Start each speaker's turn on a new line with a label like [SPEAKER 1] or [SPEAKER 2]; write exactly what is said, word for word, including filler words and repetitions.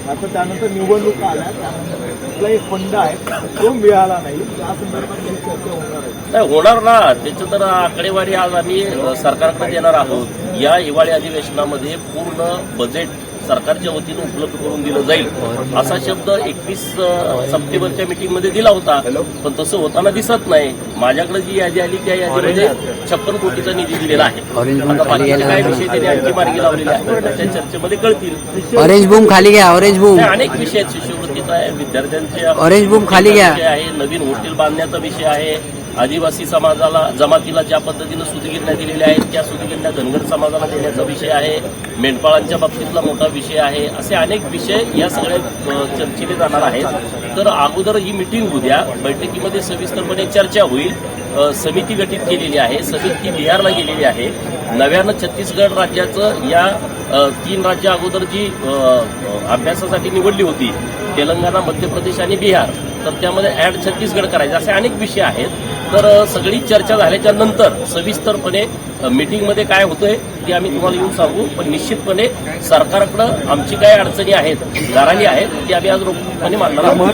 [SPEAKER 1] आता त्यानंतर निवडणूक आल्या, त्यानंतर कुठला एक फंड आहे तो मिळाला नाही, त्या संदर्भात काही चर्चा होणार आहे?
[SPEAKER 2] नाही होणार ना, त्याचं तर आकडेवारी आज आम्ही सरकारकडे देणार आहोत. या हिवाळी अधिवेशनामध्ये पूर्ण बजेट सरकारच्या वतीनं उपलब्ध करून दिलं जाईल असा शब्द एकवीस सप्टेंबरच्या मीटिंगमध्ये दिला होता, पण तसं होताना दिसत नाही. माझ्याकडे जी यादी आली त्या यादीमध्ये छप्पन कोटीचा निधी दिलेला आहे. आता बाकीचे काय विषय त्यांनी आणखी मार्गी लावलेले आहेत त्या चर्चेमध्ये कळतील.
[SPEAKER 3] ऑरेंज बूम खाली घ्या, ऑरेंज बूम.
[SPEAKER 2] अनेक विषय आहेत, शिष्यवृत्तीचा आहे, विद्यार्थ्यांच्या
[SPEAKER 3] ऑरेंज बूम खाली घ्या
[SPEAKER 2] आहे, नवीन हॉटेल बांधण्याचा विषय आहे, आदिवासी समाजाला जमातीला ज्या पद्धतीनं सुतगिरण्या दिलेल्या आहेत त्या सुतगिरण्या धनगर समाजाला देण्याचा विषय आहे, मेंढपाळांच्या बाबतीतला मोठा विषय आहे. असे अनेक विषय या सगळ्या चर्चेने जाणार आहेत. तर अगोदर ही मिटिंग उद्या बैठकीमध्ये सविस्तरपणे चर्चा होईल. समिती गठीत केलेली आहे, समिती बिहारला गेलेली आहे. नव्यानं छत्तीसगड राज्याचं या तीन राज्य अगोदर जी अभ्यासासाठी निवडली होती, तेलंगणा, मध्य प्रदेश आणि बिहार, तर त्यामध्ये ऍड छत्तीसगड करायचे असे अनेक विषय आहेत. तर सगळी चर्चा झाल्याच्या नंतर सविस्तरपणे मीटिंगमध्ये काय होतंय ते आम्ही तुम्हाला येऊन सांगू. पण निश्चितपणे सरकारकडं आमची काय अडचणी आहेत, गाऱ्हाणी आहेत, ती आम्ही आज रोखपणे मांडणार आहोत.